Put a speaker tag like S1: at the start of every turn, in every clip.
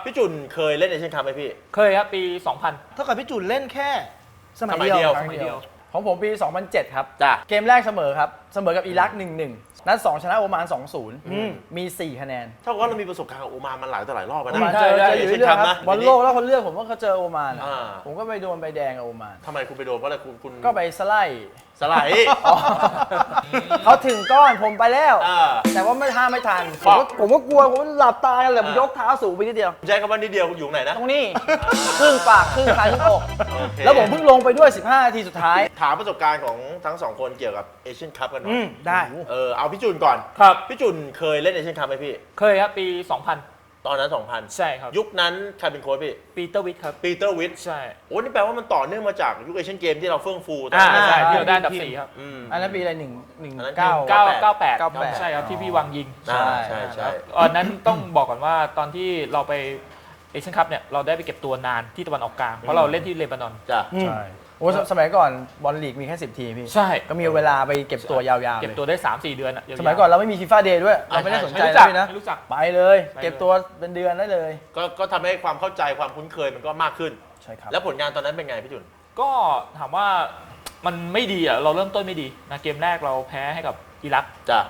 S1: พี่จุนเคยเล่นเอเชียนคัพไหมพี่
S2: เคยครับปี 2000
S3: เท่ากับพี่จุนเล่นแค่สมัย
S1: สมัย
S3: เดี
S1: เดี
S3: ย
S1: ยว
S3: ว
S2: สมัยเดียว
S4: ของผมปี 2007 ครับ
S1: จ้ะ
S4: เกมแรกเสมอครับ เสมอกับอิรัก 1-1 นัด 2 ชนะโอมาน 2-0 มี 4 คะแนน
S1: เท่ากับว่าเรามีประสบการณ์กับโอมานมันหลายต่อหลายรอบแล้ว
S4: โอมาน
S1: นะ
S4: เจออยู่
S1: เอเชียน
S4: เรื่อ
S1: คั
S4: ย
S1: พ
S4: ๆค
S1: นะ
S4: รับบอลโลกแล้วคนเลือกผมว่าเขาเจอโอมาน
S1: อ่า
S4: ผมก็ไปโดนใบแดงกับโอมาน
S1: ทำไมคุณไปโดนเพราะอะไรคุณ
S4: ก็ไปสไลด์
S1: สไลด์
S4: เขาถึงก้อนผมไปแล้ว
S1: อ่า
S4: แต่ว่าไม่ไม่ทัน
S1: ฟอก
S4: ผมก็กลัวผมหลับตากันเลยผมยกเท้าสูงไปนิดเดียว
S1: ใช้คำว่านิดเดียวอยู่ไหนนะ
S4: ตรงนี้ครึ่งปากครึ่งคางครึ่งอก
S1: โอเค
S4: แล้วผมเพิ่งลงไปด้วย 15 นาทีสุดท้าย
S1: ถามประสบการณ์ของทั้งสองคนเกี่ยวกับเอเชียนคัพกันหน่อย
S3: ได้
S1: เอาพี่จุนก่อน
S2: ครับ
S1: พี่จุนเคยเล่นเอเชียนคัพไหมพี่
S2: เคยครับปี
S1: ตอนนั้น
S2: 2000 ใช่ครับ
S1: 2000 ยุคนั้นใครเป็นโค้ชพี่
S2: ปีเตอร์วิทครับ
S1: ปีเตอร์วิท
S2: ใช่
S1: โอ้นี่แปลว่ามันต่อเนื่องมาจากยุคเอเชียนเกมที่เราเฟื่องฟูตอน
S2: อ่า
S1: นั้น
S2: ใช่
S4: อ่า
S2: ที่เราได้อันดับ4ครับ
S4: อันนั้นปีอะไร
S1: อันนั้น
S4: 119
S2: 98 ใช่ครับที่พี่วังยิง
S1: ใช่ใช่ใช่
S2: ตอนนั้นต้องบอกก่อนว่าตอนที่เราไปเอเชียนคัพเนี่ยเราได้ไปเก็บตัวนานที่ตะวันออกกลางเพราะเราเล่นที่เลบานอน
S1: จ้ะ
S4: ใช่โอ้สมัยก่อนบอลลีกมีแค่ 10 ทีมพี่
S2: ใช่
S4: ก็มีเวลาไปเก็บตัวยาวๆ
S2: เก็บ
S4: เลย
S2: ตัวได้ 3-4 เดือนอะาวๆ
S4: สมัยก่อนเราไม่มีฟีฟ่าเดย์ด้วย เราไม่ได้สนใจ
S2: ไม่รู้
S4: แล้
S2: จั
S4: ว
S2: ก
S4: พี่นะ
S2: ไม่รู้จัก
S4: ไปเลย
S2: ไปเลย
S4: เก็บตัวเป็นเดือนได้เลย
S1: ก็ทำให้ความเข้าใจความคุ้นเคยมันก็มากขึ้น
S4: ใช่ครับ
S1: แล้วผลงานตอนนั้นเป็นไงพี่จุน
S2: ก็ถามว่ามันไม่ดีอ่ะเราเริ่มต้นไม่ดีนะเกมแรกเราแพ้ให้กับอิรัก
S1: จ้ะ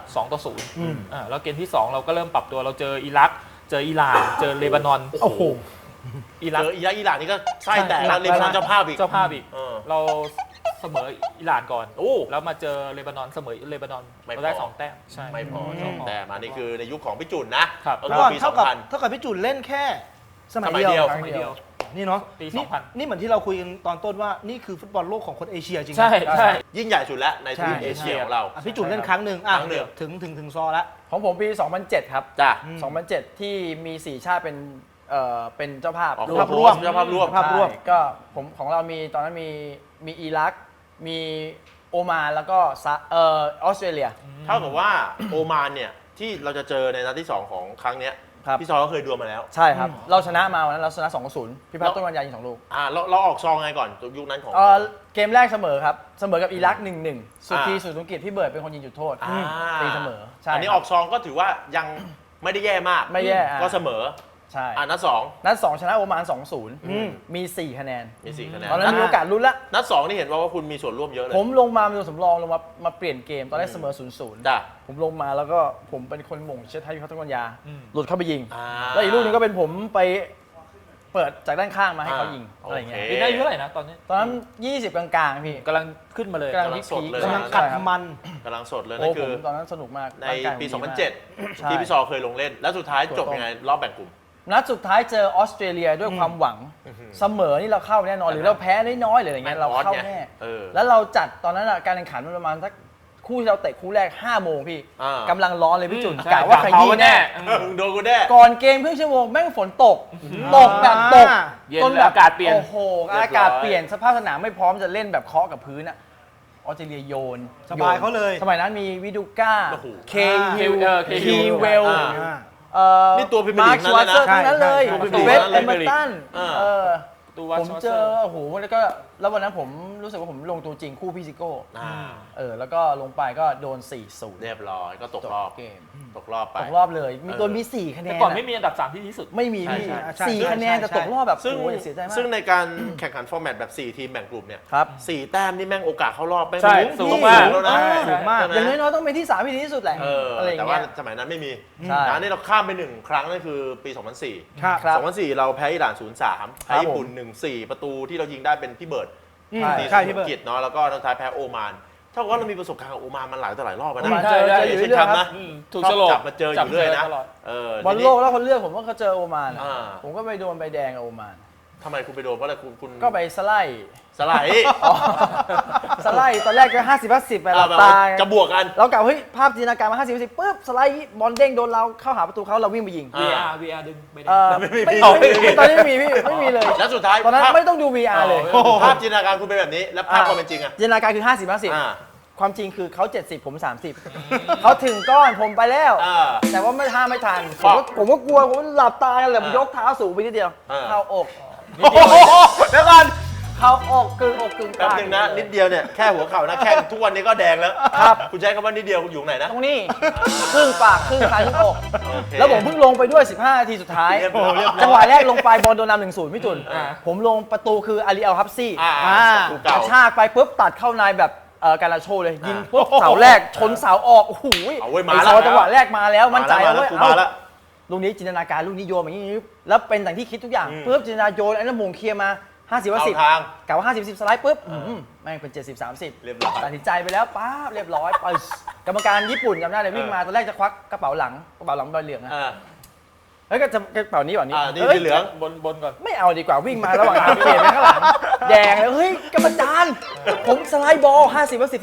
S2: 2-0แล้วเกมที่ 2 เราก็เริ่มปรับตัวเราเจออิรัก เจออิหร่าน เจอเลบานอน
S4: โอ้โห
S2: อิรัก
S1: เจออิหร่านนี่ก็ไส้แตก
S2: ใช่
S1: แล้วเลบานอนเจ้าภาพอีก
S2: เจ้าภาพอีก
S1: เออ
S2: เราเสมออิหร่านก่อน
S1: โอ้
S2: แล้วมาเจอเลบานอนเสมอเลบานอน
S1: ไม่พอ
S2: เราได้2 แต้มใช่
S1: ไม่พอ
S3: อืม
S1: สองแต้มอันนี้คือในยุคของพี่จุนนะครับ ก็
S3: ก่อน
S1: ปี
S3: เท่ากับ
S1: 2000
S3: เท่ากับพี่จุนเล่นแค่สมัย
S1: สมัยเดี
S3: เดี
S1: ย
S3: ยว ว
S2: สมัยเดียว
S3: นี่เนาะ
S2: ปี
S3: นี่
S2: 2000
S3: นี่เหมือนที่เราคุยกันตอนต้นว่านี่คือฟุตบอลโลกของคนเอเชียจริงนะ
S2: ใช่ใช่
S1: ยิ่งใหญ่สุดแล้วในทวีป
S3: ใช่
S1: เอเชียของเรา
S3: อ่ะพี่จุนเล่นครั้งหนึ่งอ่ะ
S1: ครั้งหนึ่ง
S3: ถึงซอแล้ว
S4: ของผมปี 2007 ครับ
S1: จ้ะ
S4: 2007 ที่มี 4 ชาติเป็นเจ้าภาพ
S1: ออก
S3: ภาพร่วม
S1: เจ้าภาพร่วม
S3: ภาพร่วม
S4: ใช่ก็ผมของเรามีตอนนั้นมีอิรัก มีโอมานแล้วก็ออสเตรเลีย
S1: เท่ากับว่าโอมานเนี่ยที่เราจะเจอในนัดที่ 2 ของครั้งเนี้ย
S4: ครับ
S1: พี่ซอก็เคยดวลมาแล้ว
S4: ใช่ครับ เราชนะมาวันนั้นเราชนะ 2-0 พี่พัฒน์ต้นวันยายิง2 ลูก
S1: เราออกซองไงก่อนยุคนั้นของ
S4: เกมแรกเสมอครับ เสมอกับอิรัก 1-1 สุดทีสุดสงกิจพี่เบิร์ดเป็นคนยิงจุดโทษ
S1: อ่า
S4: ตีเสมอใช่
S1: อันนี้
S4: ค
S1: อ
S4: รั
S1: อบ กซองก็ถือว่ายังไม่ได้แย่มาก
S4: ไม่แย่
S1: ก็เสมอ
S4: ใช่
S1: นัด
S4: นัด 2 ชนะโอมาน
S3: อืม
S4: 2-0 มี 4 คะแนน
S1: 2มี4คะแนน
S4: ตอนนั้นมีโอกาสลุ้นละ
S1: นัด 2นี่เห็นว่าคุณมีส่วนร่วมเยอะเลย
S4: ผมลงมาเป็นตัวสำรองลงมาเปลี่ยนเกม ตอนแรกเสมอ 0-0
S1: จ้ะ
S4: ผมลงมาแล้วก็ผมเป็นคนหม่งเชษฐาพิพัฒน์ต้นวันยา
S2: อืม
S4: หลุดเข้าไปยิง
S1: อ่า
S4: แล้วอีกลูกหนึงก็เป็นผมไปเปิดจากด้านข้างมาให้เขายิง
S1: อ่า
S4: อะไรอย่างเงี้ย
S1: โอเค
S2: ปีนั้นอายุเท่าไหร่นะตอนนี้
S4: ตอนนั้น 20 กลางๆพี่
S2: กำลังขึ้นมาเลย
S4: กำลัง
S1: กำลังสดเลย
S4: พีคๆ
S3: กำลัง
S4: ใช่
S3: กัด
S4: ครับ
S3: มัน
S1: กำลังสดเลย
S4: โอ้
S1: นั่น
S4: ผ
S1: คื
S4: ม
S1: อ
S4: ตอนนั้นสนุกมาก
S1: ใน
S4: ร่างกายผม
S1: ปี
S4: ดีมาก
S1: 2007 ที่พี่ซอเคยลงเล่น แล้วสุดท้ายจบยังไงรอบแบ่งกลุ่ม
S4: นัดสุดท้ายเจอออสเตรเลียด้วยความหวัง เสมอนี่เราเข้าแน่นอนหรือเราแพ้น้อยๆหรืออะไรเงี้ยเราเข้าแน่
S1: เออ
S4: แล้วเราจัดตอนนั้นอะการแข่งขันมันประมาณสักคู่ที่เราเตะคู่แรก 5 โมงพี่
S1: อ่า
S4: กำลังร้อนเลยพี่จุน
S2: ใช่
S4: กะว่าขยี้แน่
S1: มึงโดนกูแน่
S4: ก่อนเกมครึ่งชั่วโมงแม่งฝนตก ตกแบบตก
S2: เย็น
S4: จน
S2: แล้วอากาศเปลี่ยน
S4: โอ้โหอากาศเปลี่ยนสภาพสนามไม่พร้อมจะเล่นแบบเคาะกับพื้นอะออสเตรเลียโยน
S3: สบายเขาเลย
S4: สมัยนั้นมีวิดูก้า
S1: โอ้โห
S4: เค
S2: ฮิ
S4: ฮิ
S2: ล
S4: ล
S2: เค
S4: ฮีเวล
S1: อ่า นี่ตัวพรีเมียร์
S4: มา
S1: ลี
S4: ร์
S1: ก
S4: คชวาเซอร์
S3: นั่
S4: ทั้
S3: น
S4: ง
S3: เลย
S4: นั้นเลย
S1: ใช่ใช่
S4: เวส
S2: ใช่
S4: เอเมอร์ตัน
S1: อ่า
S4: เออ
S2: ตัววัด
S4: ผม
S2: ชอต
S4: เจ
S2: เซอ
S4: อ
S2: ร์
S4: โอ้โหแล้วก็แล้ววันนั้นผมรู้สึกว่าผมลงตัวจริงคู่พี่ซิโก้
S1: อ่า
S4: แล้วก็ลงไปก็โดน 4-0
S1: เรียบร้อยก็ตก
S4: จบ
S1: รอบ
S4: เกม
S1: ตกรอบไป
S4: ตกรอบเลยมีตัวมี 4 คะแน
S2: แต่
S4: น
S2: ก่อนไม่
S4: อะ
S2: มีอันดับ 3 ที่ดีที่สุด
S4: ไม่มี
S1: ใช่
S4: พี่
S1: ใช่
S4: สี่
S3: ใช่
S4: คะแนน
S3: ใช่
S4: แต่ตกรอบแบบ
S1: ซึ่ง
S4: โอ้ยเสียใจมาก
S1: ซึ่งในการแข่งขันฟอร์แมตแบบ 4 ทีมแบ่งกลุ่มเนี่ย
S4: ครับ
S1: 4 แต้มนี่แม่งโอกาสเข้ารอบแม่ง
S2: ใช่
S1: สูง
S2: สูงมาก
S1: แล้วนะ
S3: สูงมาก
S1: ใช่ไห
S4: อย่างน้อยๆต้องเป็นที่ 3 ที่ดีที่สุดแหละ อะไรอย่าง
S1: แต่ว่า
S4: เงี้ย
S1: สมัยนั้นไม่มี
S4: ใช่
S1: นะนี่เราข้ามไป 1 ครั้งนั่นคือปี 2004
S3: ครับ
S4: ครับ
S1: 2004 เราแพ้อิหร่าน 0-3 แพ้ญี่ปุ่น
S4: ผม
S1: 1-4 ประตูที่เรายิงได้เป็นพี่เบิร์ด
S3: อืม
S1: ตี
S3: ใช่
S1: สุ
S3: พี่เบิร์ด
S1: กิจเนาะแล้วก็ตอนท้ายแพ้โอมานเท่ากับว่าเรามีประสบการณ์กับโอมานมันหลายต่อหลายรอบแล้ว
S4: โอมาน
S1: นะ
S4: เจอ
S2: ใช่
S4: อยู่
S1: เช่น
S4: เรื่อย
S1: ครับ
S4: ๆครั
S1: นะ
S4: บ
S2: ถูก
S1: ชอบ
S2: โฉลก
S1: จับมาเจออยู่เรื่อยนะ
S2: ตลอด
S4: บอลโลกแล้วคนเลือกผมว่าเขาเจอโอมานอะ
S1: อ่า
S4: ผมก็ไปโดนใบแดงกับโอมาน
S1: ทำไมคุณไปโดนเพราะอะไรคุณ
S4: ก็ไปสไลด์
S1: สไลด์
S4: สไลด์ตอนแรกก็50-50ไปหลับ
S1: แบบ
S4: ตา
S1: จะบวกกัน
S4: เรากะเฮ้ยภาพจินตนาการมา50-50ปุ๊บสไลด์บอลเด้งโดนเราเข้าหาประตูเขาเราวิ่งไปยิง
S2: VR ดึงไป
S4: ไม่
S1: ไม่มี
S4: ตอนนี้ไม่มีพี่ไม่มีเลย
S1: แล้วสุดท้าย
S4: ตอนนั้น
S1: ภาพ
S4: ไม่ต้องดู VR เลย
S1: ภาพจินตนาการคุณเป็นแบบนี้ แล้วภาพความเป็นจริงอะ
S4: จินตนาการคือ
S1: อ่า
S4: 50-50ความจริงคือเขา70ผม30เขาถึงก้อนผมไปแล้ว
S1: อ่า
S4: แต่ว่าไม่ทัน
S1: ฟอก
S4: ผมก็กลัวผมหลับตากันเลยผม
S1: อ่าย
S4: กเท้าสูงไปนิดเดียว
S1: อ่า
S4: เข้าอก
S1: โอ้โหเดี๋ยวก่อน
S4: เข้าอกกึ่งอกกึ่ง
S1: แป๊บ
S4: ปาก
S1: นึงนะนิดเดียวเนี่ยแค่หัวเข่านะแข้งทุกวันนี้ก็แดงแล้ว
S4: ครับ
S1: คุณใช้คำว่านิดเดียวคุณอยู่ไหนนะ
S4: ตรงนี้ครึ่งปากครึ่งคางครึ่งอก
S1: โอเค
S4: แล้วผมเพิ่งลงไปด้วย 15 นาทีสุดท้าย
S1: เรียบร้อย
S4: จังหวะแรกลงไปบอลโดนนำ1-0พี่จุน
S1: อ่า
S4: ผมลงประตูคืออาลีอัลฮับซี่
S1: ถูก
S4: ก
S1: เก่า
S4: ระชากไปปุ๊บตัดเข้าในแบบการาโชเลย ยิงปุ๊บเสาแรกชนเสาออกโอ้โห
S1: เอาเว้ยมา
S4: ไอ
S1: แล้ว
S4: ซอจังหวะแรกมาแล้วมั่นใจ
S1: มา
S4: แล้ว
S1: แล้ว
S4: เว้ย
S1: กูมาแล้ว
S4: ลูกนี้จินตนาการลูกนี้โยนอย่างนี้แล้วเป็นอย่างที่คิดทุกอย่าง
S1: อืม
S4: ปุ๊บจินตนาโยนไอ้นั่นมงเคลียร์มา50ว่า
S1: เข้า
S4: 10
S1: ทาง
S4: กะว่า50-10สไลด์ปุ๊บแม่งเป็น70-30
S1: เรียบร้อย
S4: ตัดสินใจไปแล้วป๊าบเรียบร้อยไปกรรมการญี่ปุ่นจำได้เลยวิ่งมาตอนแรกจะควักกระเป๋าหลังใบเหลืองอะ
S1: อ่า
S4: เฮ้ยก็จะกระเป๋านี้ก่อนนี้
S1: นี่
S4: เฮ้ย
S1: สีเหลือง
S2: บนก่อน
S4: ไม่เอาดีกว่าวิ่งมาระหว่างทางเปลี่ยนไปข้างหลังแดงแล้วเฮ้ยกรรมการผมสไลด์บอล50ว่า10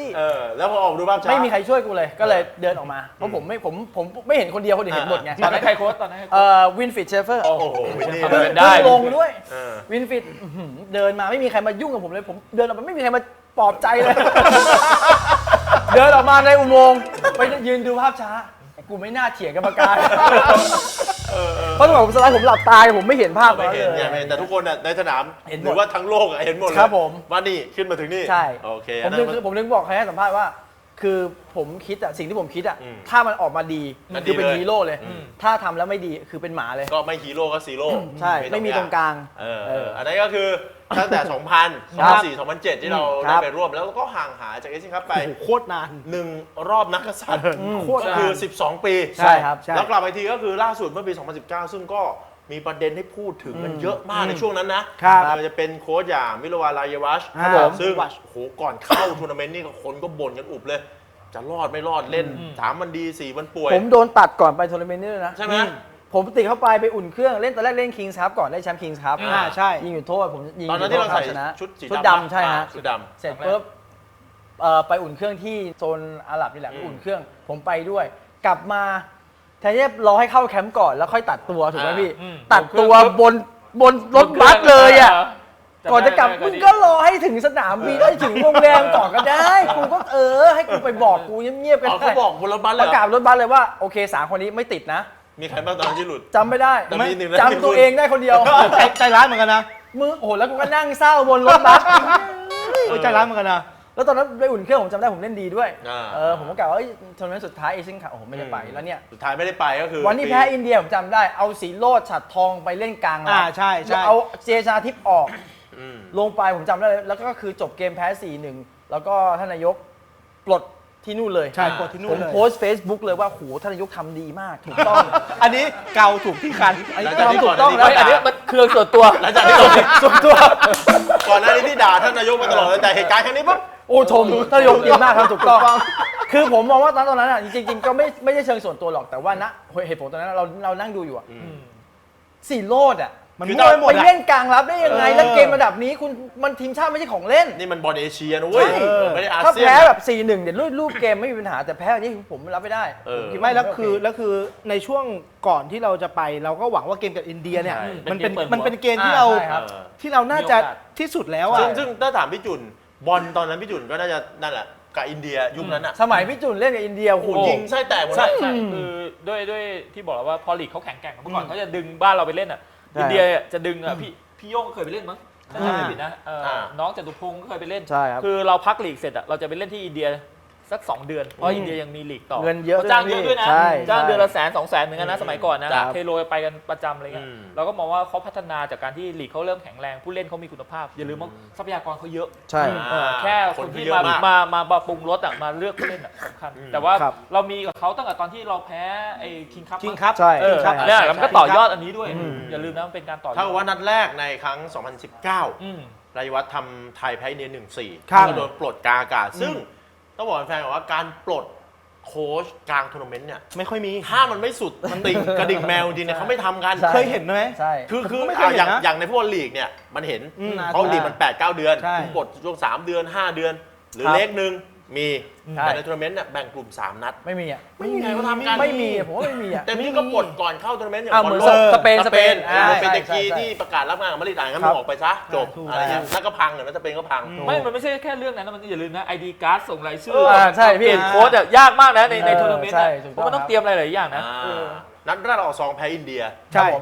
S4: 50
S1: แล้วพอออกดูภาพช้า
S4: ไม่มีใครช่วยกูเลยก็เลยเดินออกมาเพราะผมไม่เห็นคนเดียวคนอื่นเห็นหมดไง
S2: ตอนนั้นใครโค้ชตอนนั้นใครโค้ช
S4: วินฟิตเชฟเฟอร์
S1: โอ้โหนี่
S2: ทำ
S1: เล
S2: ไม
S1: ย
S2: ได้
S4: ลงด้วย
S1: เออ
S4: วินฟิตเดินมาไม่มีใครมายุ่งกับผมเลยผมเดินออกมาไม่มีใครมาปลอบใจเลย เดินออกมาในอุโมงค์ไปยืนดูภาพช้ากูไม่น่าเถียงกรรมการเพราะจังหวะผมสไลด์ผมหลับตาผมไม่เห็นภาพ
S1: ไม่เห็นเนี่ยไม่เห็นแต่ทุกคนน่ะในสนาม
S4: เห็นหมด
S1: หรือว่าทั้งโลกอะเห็นหมดเลย
S4: ครับผม
S1: ว่านี่ขึ้นมาถึงนี่
S4: ใช่
S1: โอเค
S4: ผมนึกบอกใครให้สัมภาษณ์ว่า คือผมคิดอะสิ่งที่ผมคิดอะ
S1: อืม
S4: ถ้ามันออกมาดี
S1: มันดี
S4: คือเป็น
S1: เลย
S4: ฮีโร่เลย
S1: อืม
S4: ถ้าทำแล้วไม่ดีคือเป็นหมาเลย
S1: ก็ไม่ฮีโร่ก็ซีโร่
S4: ใช่ไม่มีตรงกลาง
S1: อันนั้นก็คือตั้งแต่ 2000 2004 2007 ที่เรา
S4: ครั
S1: ได้
S4: บ
S1: ไปร่วมแล้วก็ห่างหายจากเอเชียนคัพไป
S3: โอ้โหโคตรนาน
S1: 1 รอบนักกษัตริย์
S3: โคตร
S1: ก็
S3: นาน
S1: คือ 12 ปี
S4: ใช่ครับ
S3: ใช่
S1: แล้วกลับไปทีก็คือล่าสุดเมื่อปี 2019 ซึ่งก็มีประเด็นให้พูดถึงกันเยอะมากในช่วงนั้นนะครับ มันจะเป็นโค้ชอย่างมิโลวานลายวัช
S3: ครับผม
S1: ซึ่งโอ้โหก่อนเข้าทัวร์นาเมนต์นี่ก็คนก็บ่นกันอุบเลย จะรอดไม่รอดเล่น3 วันดี 4 วันป่วย
S4: ผมโดนตัดก่อนไปทัวร์นาเมนต์นี่เลยนะ
S1: ใช่ไหม
S4: ผมติดเข้าไปอุ่นเครื่องเล่นตอนแรกเล่นคิงส์ครับก่อนได้แชมป์คิงส์ครับ
S3: ใช่
S4: ยิงอยู่โทษผมยิง
S1: ตอนนั้นที่เราใส่
S4: ชนะ
S1: ชุดสี
S4: ชุด
S1: ดำ
S4: ดำใช่ฮะ
S1: ชุดด
S4: เสร็จปุ๊บไปอุ่นเครื่องที่โซนอาหรับนี่แหละ อุ่นเครื่องผมไปด้วย กลับมาแทนที่จะรอให้เข้าแคมป์ก่อนแล้วค่อยตัดตัวถูกไหมพี่ ตัดตัวบนรถบัสเลยอ่ะก่อนจะกลับมึงก็รอให้ถึงสนามบินให้ถึงโรงแรมก่อนก็ได้กูก็ให้กูไปบอกกูเงียบๆ
S1: ำ
S4: กัน
S1: เอา
S4: ได้
S1: เขาบอกบนรถบัสเล
S4: ป
S1: ย
S4: ระ
S1: เหร
S4: กาศ
S1: อ
S4: รถบัสเลยว่าโอเค3คนนี้ไม่ติดนะ
S1: มีใครบ้างตอนนั้นที่หลุด
S4: จำไม่ได้
S1: แต่มีหนึ่งนะ
S4: จำตัวเองได้คนเดียว
S3: ใจร้ายเหมือนกันนะ
S4: มึงโอ้โหแล้วกูก็นั่งเศร้าบนรถบัส
S3: ใจร้ายเหมือนกันนะ
S4: แล้วตอนนั้นไปอุ่นเครื่องผมจำได้ผมเล่นดีด้วย
S1: อ่า
S4: ผมก็กล่าวว่าทัวร์นาเมนต์สุดท้ายเอเชียนคัพโอ้โหไม่ได้ไปแล้วเนี่ย
S1: สุดท้ายไม่ได้ไปก็คือ
S4: วันที่แพ้อินเดียผมจำได้เอาสีโรดฉัดทองไปเล่นกลางรับ
S3: ใช่
S4: แล้วเอาเจชาทิพย์ออก
S1: อืม
S4: ลงไปผมจำได้เลยแล้วก็คือจบเกมแพ้ 4-1 แล้วก็ท่านนายกปลดที่นู่นเลย
S3: ใช่ปลดที่นู่
S4: ผ
S3: น
S4: ม
S3: เลย
S4: โพสต์ Facebook เลยว่าโหท่านนายกทำดีมากถูกต้อง
S3: อันนี้เกาถูกที่คัน
S4: อันนี้
S1: หลังจากที่
S4: ทำถูกต้อง
S1: ก่อนหน้านี้
S4: แล้ว
S2: อันนี้มันเครื่องส่วนตัว
S1: หลังจากที่เรา
S4: ส่วนตัว
S1: ก่อนหน้านี้ที่ด่าท่านนายกมาตลอดแต่เหตุการณ์ครั้งนี้ปุ๊บ
S4: โอ้ชมท่านนายกดีมากทำถูกต้อง คือผมมองว่าตอนนั้นอ่ะจริงๆก็ไม่ใช่เชิงส่วนตัวหรอกแต่ว่าณเหตุผลตอนนั้นเรานั่งดูอยู่อ่ะสีโรดอ่ะ
S3: มัน
S1: คือ
S3: มั่วไปหมด
S4: ไป
S3: อะ
S4: เล่นกลางรับได้ยังไงแล้วเกมระดับนี้คุณมันทีมชาติไม่ใช่ของเล่น
S1: นี่มันบอลเอเชียนะเว้ย
S4: ใช่
S1: ไม่ได้อา
S4: ถ้า
S1: เซียน
S4: แพ้แบบ 4-1 เดี๋ยวรูปเกมไม่มีปัญหาแต่แพ้อันนี้ผมรับไม่ได้
S1: เออ
S4: ผคิดว่า
S3: ไม่แล้ว
S4: โเ
S3: คือในช่วงก่อนที่เราจะไปเราก็หวังว่าเกมกับอินเดียเนี่ย
S1: ใช่
S3: มันเป็น
S2: เป็นเกมเปิดหัว
S3: มันเป็นเกมที่เรา
S4: ใช่ครับ
S3: ที่เราน่าจะที่สุดแล้วอ่ะ
S1: ซึ่งถ้าถามพี่จุนบอลตอนนั้นพี่จุนก็น่าจะนั่นแหละกับอินเดียยุคนั้นอ่ะ
S4: สมัยพี่จุนเล่นกับอินเดียโอ้โห
S1: โอ้ยิงไส้แตกหมด
S2: ใช่
S1: เลย
S2: ใช่คือด้วยที่บอกแล้วว่าพอลีกเขาแข็งแกร่งเมื่อก่อนเขาจะดึงบ้านเราไปเล่นอ่ะ
S4: ใช่
S2: อินเดียจะดึงอ่ะพี่โย่งก็เคยไปเล่นมั้งถ้าจำไม่ผิดนะน้องจตุพงศ์ก็เคยไปเล่น
S4: ใช่ครับ
S2: คือเราพักลีกเสร็จอ่ะเราจะไปเล่นที่อินเดียสัก 2 เดือนเพราะอินเดียยังมีลีกต่อ
S4: เงินเยอะ
S2: ขาจ้างเยอะด้วยนะ
S4: ใช่
S2: จ้างเดือนละ
S4: ใช่
S2: 100,000-200,000เหมือนกันนะสมัยก่อนนะ
S1: ครับ
S2: เทโรไปกันประจำอะไรเงี้ยเราก็มองว่าเขาพัฒนาจากการที่ลีกเขาเริ่มแข็งแรงผู้เล่นเขามีคุณภาพอย่าลืมว่าทรัพยากรเขาเยอะ
S4: ใช่
S2: แค่คนที่มาปรุงรสอ่ะมาเลือกผู้เล่นอ่ะสำคัญแต่ว่า
S4: ครับ
S2: เรามีกับเขาตั้งแต่ตอนที่เราแพ้ไอ้คิงคัพ
S3: คิงครับ
S4: ใช่
S3: ครับ
S2: เนี่ยแล้วมันก็ต่อยอดอันนี้ด้วย อย่าลืมนะมันเป็นการต่อยอด
S1: เท่ากับว่านัดแรกในครั้ง 2019
S2: อืม
S1: รายวัฒน์ทำไทยแพ้อินเดีย 1-4
S3: ครับ
S1: ก็โดนปลดกลางอากาศ ซึ่งต้องบอกแฟนๆว่าการปลดโค้ชกลางทัวร์นาเมนต์เนี่ย
S3: ไม่ค่อยมี
S1: ถ้ามันไม่สุดมันติ่งกระดิ่งแมวจริงเนี่ยเขาไม่ทำกัน
S4: ใช่
S3: เคยเห็นไหม
S4: ใช่
S1: คือ
S3: ผมไม่เคยเห็นนะ
S1: อย่างในฟุตบอลลีกเนี่ยมันเห็น
S3: อืม
S1: เพราะลีกมัน 8-9 เดือน
S3: ใช่
S1: คุณปลดช่วง 3 เดือน 5 เดือน หรือ
S4: ครับ
S1: เล็กหนึ่งมี
S4: ใช่
S1: แต่ในทัวร์นาเมนต์เนี่ยแบ่งกลุ่ม 3 นัด
S4: ไม่มีอ่ะ
S1: ไม่มีใครเขาทำกัน
S4: ไม่มีอะผมว่าไม่มีอ่ะ
S1: เต็มที่ก็ปลดก่อนเข้าทัวร์นาเมนต์อย่าง
S4: อ่ะ
S1: บอล
S4: เหมือน
S1: โลก
S4: สเปน
S1: สเปน
S4: อ่า
S1: เป็นตะกี้
S4: ใช่
S1: ที่ประกาศรับงานกับมาดริดงั้น
S4: ครั
S1: มึ
S4: บ
S1: งออกไปซะจบ
S3: ถูก
S1: อะไรเงี้ยแล้วก็พังเนี่ยแล้วสเปนก็พัง
S2: ไม่มันไม่ใช่แค่เรื่องนั้นนะมันอย่าลืมนะไอดีการ์ดส่งรายชื่
S4: ใช่พี่
S2: เปลี่ยนโค้ดอะยากมากนะในทัวร์นาเมนต์
S4: ใช่
S2: อะ
S4: ถูก
S2: เพ
S4: ต้อง
S2: ราะมันต้องเตรียมอะไรหลายอย่างนะ
S1: นัดแรกเราออกซองแพ้อินเดีย
S3: ใช่
S4: ผม
S1: ท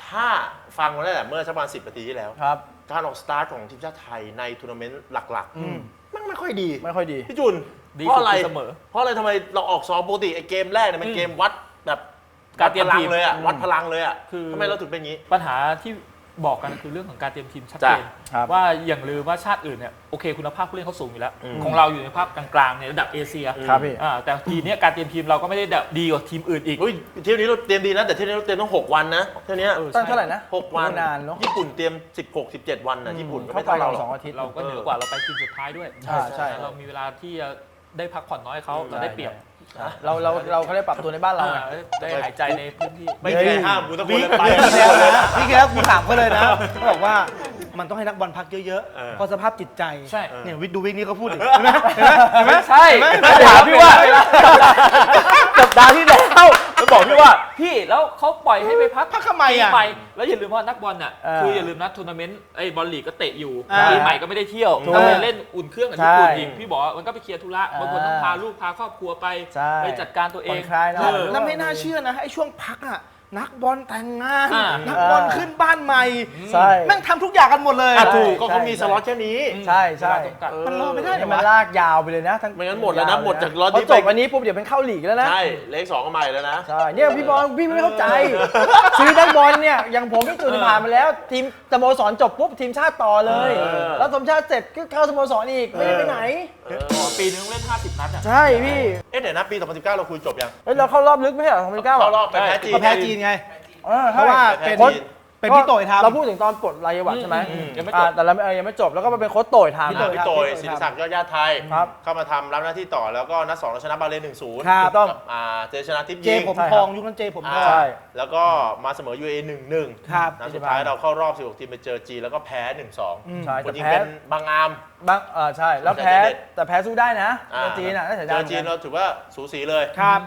S1: ถ้าฟังมาแล้วแหละเมื่อสักประมาณ10 นาทีที่แล้ว
S4: ครับ
S1: การออกสตาร์ทของทีมชาติไทยในทัวร์นาเมนต์หลักๆมันไม่ค่อยดี
S4: ไม่ค่อยดี
S1: พี่จุน
S2: ดี
S1: เพราะอะไร
S2: สุดเสมอ
S1: เพราะอะไรทำไมเราออกซ้อมปกติไอ้เกมแรกเนี่ยมันเกมวัดแบบ
S2: การเตรียม
S1: วัดพลั
S2: ที
S1: ง
S2: ม
S1: เลยอะวัดพลังเลยอะ
S2: คือ
S1: ทำไมเราถึงเป็นอย่างนี้
S2: ปัญหาที่บอกกันคือเรื่องของการเตรียมทีมชัดเจน
S4: ครับ
S2: ว่าอย่างลืมว่าชาติอื่นเนี่ยโอเคคุณภาพผู้เล่นเขาสูงอยู่แล้ว
S1: อืม
S2: ของเราอยู่ในภาพกลางๆในระดับเอเชีย
S4: ครับพี่
S2: แต่ทีเนี้ยการเตรียมทีมเราก็ไม่ได้ดีกว่าทีมอื่นอีก
S1: อุ้ยเที่ยวนี้เราเตรียมดีนะแต่เที่ยวนี้เราเตรียมต้อง6 วันนะเที่ยวนี้
S4: ตั้งเท่าไหร่นะ
S1: 6 วัน
S4: นานเนอะ
S1: ญี่ปุ่นเตรียม16-17 วันนะญี่ปุ่นก็
S4: เข้า
S1: ไม่
S4: ไป
S1: เท่าเราหร
S4: ส
S1: อ
S4: อก งอาทิตย์
S2: เราก็เหนือกว่าเราไปทีมสุดท้ายด้วย
S4: ใช่
S2: เรามีเวลาที่จะได้พักผ่อนน้อยเขาเราได้เปรียบ
S4: เราเขาได้ปรับตัวในบ้านเราไง
S2: ได้หายใจในพื้นที่
S1: ไม่เคยห้ามกูตะโกนเลยไป
S3: พี่แล้วนะพี่แล้วกูถามเขาเลยนะเขาบอกว่ามันต้องให้นักบอลพักเยอะ
S1: เออ
S3: ๆเพราะสภาพจิตใจ
S2: ใช่
S3: เนี่ยวิทย์ดูวิกนี้เขาพูดอีกเห็นไหมเห็นไหมเห็นไหม
S2: ใช่ถามพี่ว่าสัปดาห์ที่แล้วแล้วบอกพี่ว่าพี่แล้วเขาปล่อยให้ไปพัก
S3: พักทำไมอ่ะ
S2: ปีใหม่แล้วอย่าลืมว่านักบอลน่ะ
S4: เออ
S2: คืออย่าลืมนะทัวร์นาเมนต์ไอ้บอลลีกก็เตะอยู่
S3: อ่า
S2: ปีใหม่ก็ไม่ได้เที่ยว
S4: ถูก
S2: ต้องไปเล่นอุ่นเครื่องกับญี่ปุ่น
S4: ใช่
S2: อีกพี่บอกว่ามันก็ไปเคลียร์ธุระ
S4: อ่า
S2: บางคนต้องพาลูกพาครอบครัวไป
S4: ใช่
S2: ไปจัดการตัวเอ
S4: ผ่อง นคลายหน่อย
S3: แล้วไม่น่าเชื่อนะไอ้ช่วงพักอ่ะนักบอลแต่งงาน
S2: อ่า
S3: นักบอลขึ้นบ้านใหม่
S4: ใช่
S3: แม่งทำทุกอย่างกันหมดเลย
S1: อ่ะ
S4: ใช่
S1: ถูกก็เขามีสล็อตแค่นี้
S4: ใช่ใช่
S2: เวลาจำกัด
S3: มันรอไม่ได้
S4: เนี่ยมันลากยาวไปเลยนะทั้ง
S1: ไม่งั้นหมดแล้วนะหมดจากล็อต
S4: พอ
S1: นี้
S4: จ
S1: ไป
S4: บอันนี้ปุ๊บเดี๋ยวเป็นเข้าลีกแล้วนะ
S1: ใช่เลข2ก็มาอีกแล้วนะ
S4: ใช่เนี่ยพี่บอลพี่ไม่เข้าใจ ซื้อนักบอลเนี่ยอย่างผมพี่จุนผ่านมาแล้ว ทีมสโมสรจบปุ๊บทีมชาติต่อเลย
S1: เออ
S4: แล้วสมชาติเสร็จก็เข้าสโมสรอีกไม่ได้ไปไหน
S2: ปีนึงเล่น50 นัดอ่ะ
S4: ใช่พี่
S1: เอ๊ะเดี๋ยวนะปี 2019 เราคุยจบยัง
S4: เฮ้ยเราเข้ารอบลึกไม่ใช่เหรอ2019
S1: เข้ารอบไปแพ้จีน
S3: ก็แพ้จีนไง
S4: เพ
S3: เพราะว่าเป็น
S1: แพ้จีน
S3: เป็นพี่โตยทำ
S4: เราพูดถึงตอนปลดรายวัชใช่ไหม
S2: ยังไม่จบ
S4: แต่เรายังไม่จบแล้วก็มาเป็นโค้ชโตยทำ
S3: พี่โตย
S1: พี่โตยศิริศักดิ์ยอดญาติไทย
S4: ครับ
S1: เข้ามาทำรับหน้าที่ต่อแล้วก็นัด2เราชนะบาเลน 1-0
S3: ครับ
S4: ต้อง
S1: เจชนะทิพย์
S3: เจ
S1: ยิง
S3: ผม
S4: ใช่
S3: ท
S4: ครั
S3: อบ งยุคนั้นเจผมทอง
S4: ใช่
S1: แล้วก็มาเสมอ UAE 1-1
S3: ครับ
S1: นัดสุดท้ายเราเข้ารอบ 16 ทีมไปเจอจีนแล้วก็แพ้ 1-2
S4: ใช่
S1: ค
S4: แต่
S1: นยิง
S4: แพ้
S1: เป็นบางอาม
S4: บ้างใช่แล้วแพ้
S1: แต่เด็ด
S4: แต่แพ้สู้ได้นะเจอจีนอ่ะน่าเสีย
S1: เจ
S4: ดาย
S1: อจีนเราถือว่าสูสีเลย
S3: ครับ